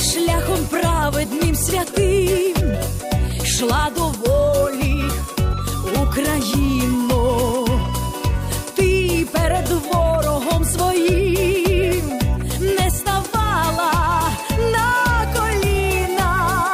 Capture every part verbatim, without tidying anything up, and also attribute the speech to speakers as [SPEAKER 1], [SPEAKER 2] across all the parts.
[SPEAKER 1] шляхом праведним святим йшла до волі Україно. Ти перед ворогом своїм не ставала на коліна.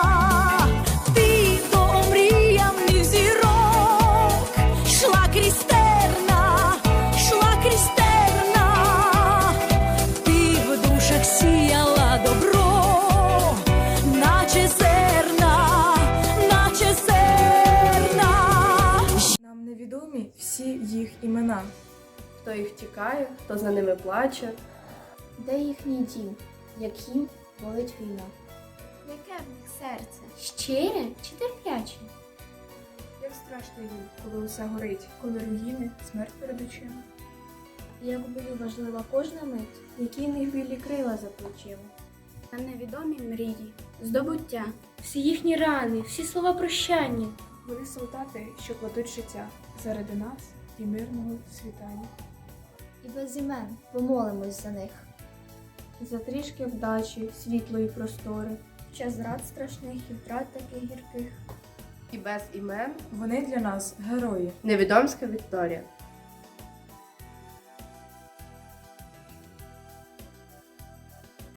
[SPEAKER 1] Ти до омріяних зірок йшла крізь терна, йшла крізь терна. Ти в душах сіяла добро, наче зерна, наче зерна.
[SPEAKER 2] Нам невідомі всі їх імена. Хто їх тікає, хто за ними плаче.
[SPEAKER 3] Де їхній дім, як їм болить війна? Яке в них серце? Щире чи терпляче?
[SPEAKER 2] Як страшно їм, коли усе горить, коли руїни, смерть перед очима.
[SPEAKER 3] Як в бою важлива кожна мить,
[SPEAKER 2] Які в них білі крила за плечима.
[SPEAKER 3] на невідомі мрії, здобуття, всі їхні рани, всі слова прощання.
[SPEAKER 2] Вони солдати, що кладуть життя заради нас і мирного світання.
[SPEAKER 3] І без імен помолимось за них.
[SPEAKER 2] За трішки вдачі, світлої простори.
[SPEAKER 3] В час зрад страшних і втрат таких гірких.
[SPEAKER 4] І без імен
[SPEAKER 2] Вони для нас герої.
[SPEAKER 4] невідомська Вікторія.